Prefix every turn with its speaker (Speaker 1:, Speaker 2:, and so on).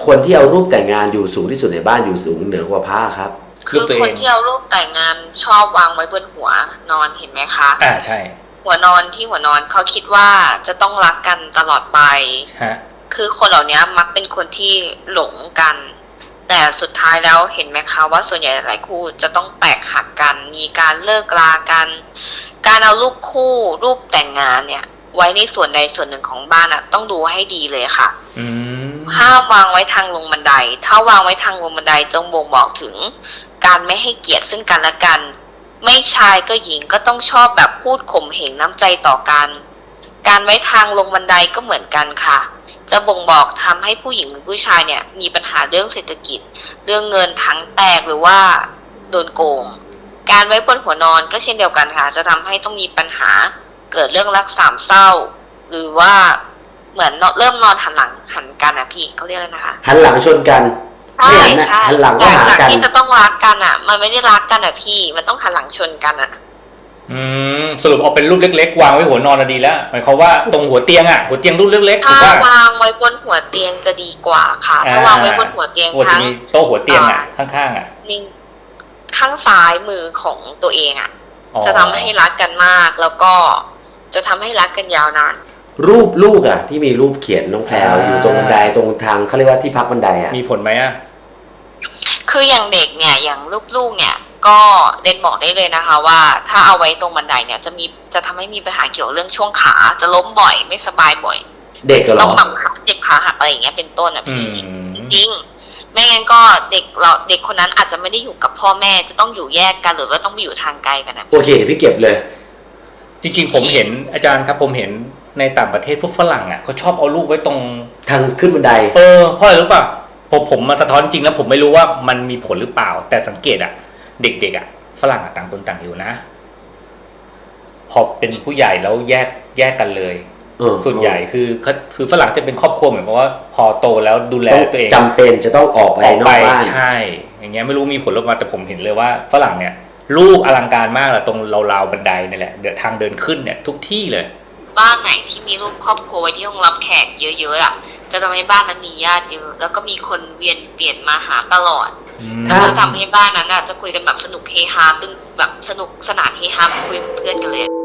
Speaker 1: คนที่เอารูปแต่งงานอยู่สูงที่สุดในบ้านอยู่สูงเหนือกว่าพระครับ
Speaker 2: คือคนที่เอารูปแต่งงานชอบวางไว้บนหัวนอนเห็นไหมคะ
Speaker 3: ใช่
Speaker 2: หัวนอนที่หัวนอนเขาคิดว่าจะต้องรักกันตลอดไปคือคนเหล่านี้มักเป็นคนที่หลงกันแต่สุดท้ายแล้วเห็นไหมคะว่าส่วนใหญ่หลายคู่จะต้องแตกหักกันมีการเลิกลากันการเอารูปคู่รูปแต่งงานเนี่ยไว้ในส่วนใดส่วนหนึ่งของบ้านต้องดูให้ดีเลยค่ะห้ามวางไว้ทางลงบันไดถ้าวางไว้ทางลงบันไดจงบ่งบอกถึงการไม่ให้เกียรติซึ่งกันและกันไม่ชายก็หญิงก็ต้องชอบแบบพูดข่มเหงน้ำใจต่อกันการไว้ทางลงบันไดก็เหมือนกันค่ะจะบ่งบอกทำให้ผู้หญิงหรือผู้ชายเนี่ยมีปัญหาเรื่องเศรษฐกิจเรื่องเงินถังแตกหรือว่าโดนโกงการไว้บนหัวนอนก็เช่นเดียวกันค่ะจะทำให้ต้องมีปัญหาเกิดเรื่องรักสามเศร้าหรือว่าเหมือนเริ่มนอนหันหลังหันกันพี่เขาเรียกอะไรนะคะ
Speaker 1: หันหลังชนกัน
Speaker 2: ใช่
Speaker 1: หันหลังก็หากัน
Speaker 2: จากที่จะต้องรักกันมันไม่ได้รักกันพี่มันต้องหันหลังชนกัน
Speaker 3: สรุปเอาเป็นรูปเล็กๆวางไว้หัวนอนดีแล้วหมายความว่าตรงหัวเตียงหัวเตียงรูปเล็กๆ
Speaker 2: ถ้าวางไว้บนหัวเตียงจะดีกว่าค่ะถ้าวางไว้บนหัวเตียงทั้ง
Speaker 3: โต๊ะหัวเตียงข้าง
Speaker 2: นี่ข้างซ้ายมือของตัวเองจะทำให้รักกันมากแล้วก็จะทำให้รักกันยาวนาน
Speaker 1: รูปลูกที่มีรูปเขียนน้องแพรวอยู่ตรงบันไดตรงทางเขาเรียกว่าที่พักบันได
Speaker 3: มีผลไหม
Speaker 2: คืออย่างเด็กเนี่ยอย่างลูกเนี่ยก็เล่นบอกได้เลยนะคะว่าถ้าเอาไว้ตรงบันไดเนี่ยจะทำให้มีปัญหาเกี่ยวเรื่องช่วงขาจะล้มบ่อยไม่สบายบ่อย
Speaker 1: เด็ก
Speaker 2: ต้องแบบเจ็บขาหักอะไรอย่างเงี้ยเป็นต้นพี่จริงไม่งั้นก็เด็กคนนั้นอาจจะไม่ได้อยู่กับพ่อแม่จะต้องอยู่แยกกันหรือว่าต้องไปอยู่ทางไกลกัน
Speaker 1: โอเคเดี๋ยวพี่เก็บเลย
Speaker 3: จริงๆผมเห็นอาจารย์ครับผมเห็นในต่างประเทศพวกฝรั่งเขาชอบเอาลูกไว้ตรง
Speaker 1: ทางขึ้นบันได
Speaker 3: เพราะอะไรรู้ป่ะผมมาสะท้อนจริงแล้วผมไม่รู้ว่ามันมีผลหรือเปล่าแต่สังเกตเด็กฝรั่งต่างคนต่างอยู่นะพอเป็นผู้ใหญ่แล้วแยกกันเลยส่วนใหญ่คือฝรั่งจะเป็นครอบครัวเหมือนกับว่าพอโตแล้วดูแลตัวเอง
Speaker 1: จำเป็นจะต้องออกไปนอกบ้าน
Speaker 3: ใช่อย่างเงี้ยไม่รู้มีผลหรือเปล่าแต่ผมเห็นเลยว่าฝรั่งเนี่ยลูกอลังการมากเลยตรงราวบันไดนี่แหละเดี๋ยวทางเดินขึ้นเนี่ยทุกที่เลย
Speaker 2: บ้านไหนที่มีรูปครอบครัวที่ต้องรับแขกเยอะๆจะทำให้บ้านนั้นมีญาติเยอะแล้วก็มีคนเวียนเปลี่ยนมาหาตลอดถ้าจะทำให้บ้านนั้นจะคุยกันแบบสนุกเฮฮาตึงแบบสนุกสนานเฮฮาคุยกับเพื่อนกันเลย